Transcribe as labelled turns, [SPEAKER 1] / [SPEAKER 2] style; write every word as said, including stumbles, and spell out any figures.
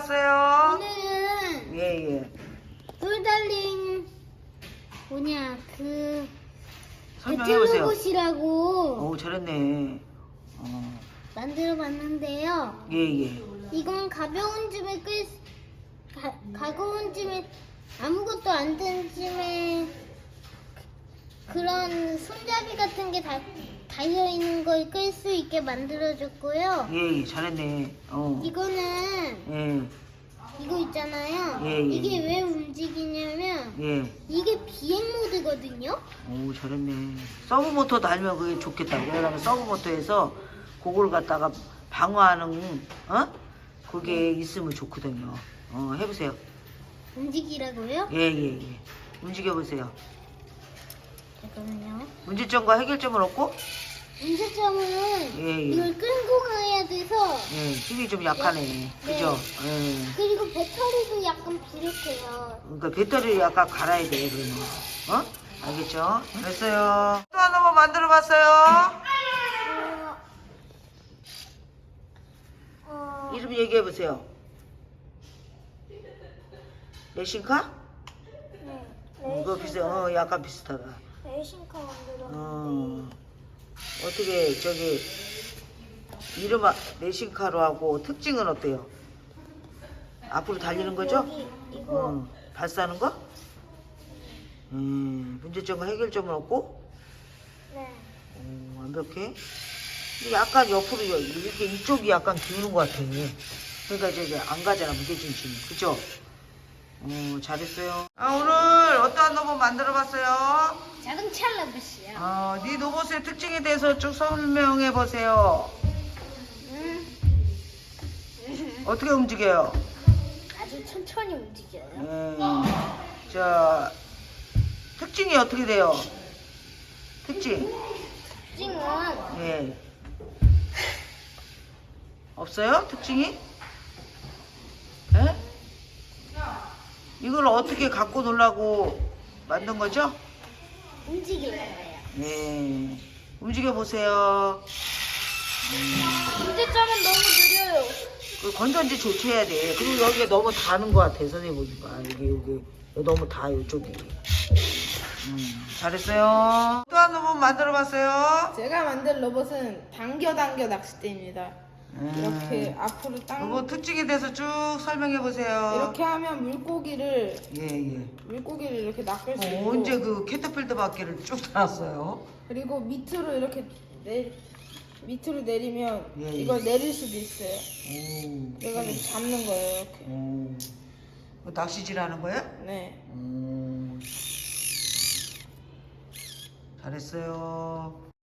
[SPEAKER 1] 왔어요?
[SPEAKER 2] 오늘은
[SPEAKER 1] 예, 예.
[SPEAKER 2] 돌 달린 뭐냐 그
[SPEAKER 1] 설명해보세요.
[SPEAKER 2] 배틀로봇이라고
[SPEAKER 1] 오, 잘했네. 어,
[SPEAKER 2] 만들어봤는데요.
[SPEAKER 1] 예, 예.
[SPEAKER 2] 이건 가벼운 짐에 끌 가, 가벼운 짐에 아무것도 안 든 짐에 그런 손잡이 같은 게 다 달려 있는 걸 끌 수 있게 만들어줬고요.
[SPEAKER 1] 예, 예, 잘했네. 어.
[SPEAKER 2] 이거는
[SPEAKER 1] 예,
[SPEAKER 2] 이거 있잖아요.
[SPEAKER 1] 예, 예.
[SPEAKER 2] 이게 왜 움직이냐면
[SPEAKER 1] 예.
[SPEAKER 2] 이게 비행 모드거든요.
[SPEAKER 1] 오, 잘했네. 서브 모터 달면 그게 좋겠다. 왜냐면 서브 모터에서 그걸 갖다가 방어하는, 어? 그게 있으면 좋거든요. 어, 해보세요.
[SPEAKER 2] 움직이라고요?
[SPEAKER 1] 예, 예, 예. 움직여보세요.
[SPEAKER 2] 잠깐만요.
[SPEAKER 1] 문제점과 해결점은 없고,
[SPEAKER 2] 문제점은
[SPEAKER 1] 예, 예.
[SPEAKER 2] 이걸 끌고 가야 돼서
[SPEAKER 1] 예, 힘이 좀 약하네. 그죠? 예.
[SPEAKER 2] 그리고 배터리도 약간 부족해요.
[SPEAKER 1] 그러니까 배터리 약간 갈아야 돼, 그러면. 어? 알겠죠? 됐어요. 또 하나 번 만들어 봤어요.
[SPEAKER 2] 어, 어,
[SPEAKER 1] 이름 얘기해 보세요. 레신카?
[SPEAKER 2] 네.
[SPEAKER 1] 이거 비슷해. 어, 약간 비슷하다.
[SPEAKER 2] 레이싱카 만들었는데
[SPEAKER 1] 어. 어떻게, 저기, 이름, 아- 레신카로 하고 특징은 어때요? 앞으로 달리는 거죠?
[SPEAKER 2] 여기 이거
[SPEAKER 1] 어. 발사하는 거? 음, 문제점과 해결점은 없고?
[SPEAKER 2] 네.
[SPEAKER 1] 어, 완벽해. 근데 약간 옆으로 여- 이렇게 이쪽이 약간 기우는 것 같아. 그러니까 이제 안 가잖아, 무게중심이. 그죠? 어, 잘했어요. 아, 오늘 어떠한 로봇 만들어봤어요?
[SPEAKER 2] 자동차 로봇이요.
[SPEAKER 1] 어, 네 로봇의 특징에 대해서 쭉 설명해 보세요.
[SPEAKER 2] 음,
[SPEAKER 1] 어떻게 움직여요?
[SPEAKER 2] 아주 천천히 움직여요.
[SPEAKER 1] 음, 자, 특징이 어떻게 돼요? 특징?
[SPEAKER 2] 특징은
[SPEAKER 1] 예. 없어요? 특징이? 예? 이걸 어떻게 갖고 놀라고 만든 거죠?
[SPEAKER 2] 움직일 거예요.
[SPEAKER 1] 예. 움직여 보세요.
[SPEAKER 2] 문제점은 너무 느려요.
[SPEAKER 1] 그 건전지 조치해야 돼. 그리고 여기가 너무 다는 것 같아, 선생님 보니까. 여기, 여기. 여기 너무 다, 이쪽이. 음, 잘했어요. 또 한 로봇 만들어 봤어요.
[SPEAKER 3] 제가 만든 로봇은 당겨 당겨 낚싯대입니다. 이렇게 앞으로 당
[SPEAKER 1] 로봇 특징에 대해서 쭉 설명해 보세요.
[SPEAKER 3] 이렇게 하면 물고기를
[SPEAKER 1] 예, 예.
[SPEAKER 3] 물고기를 이렇게 낚을 수
[SPEAKER 1] 어,
[SPEAKER 3] 있고
[SPEAKER 1] 언제 그 캐터필드 바퀴를 쭉 달았어요?
[SPEAKER 3] 그리고 밑으로 이렇게 내 밑으로 내리면
[SPEAKER 1] 예, 예.
[SPEAKER 3] 이걸 내릴 수도 있어요.
[SPEAKER 1] 오.
[SPEAKER 3] 그래가지고 잡는 거예요 이렇게.
[SPEAKER 1] 오. 그 낚시질 하는 거예요?
[SPEAKER 3] 네.
[SPEAKER 1] 오. 잘했어요.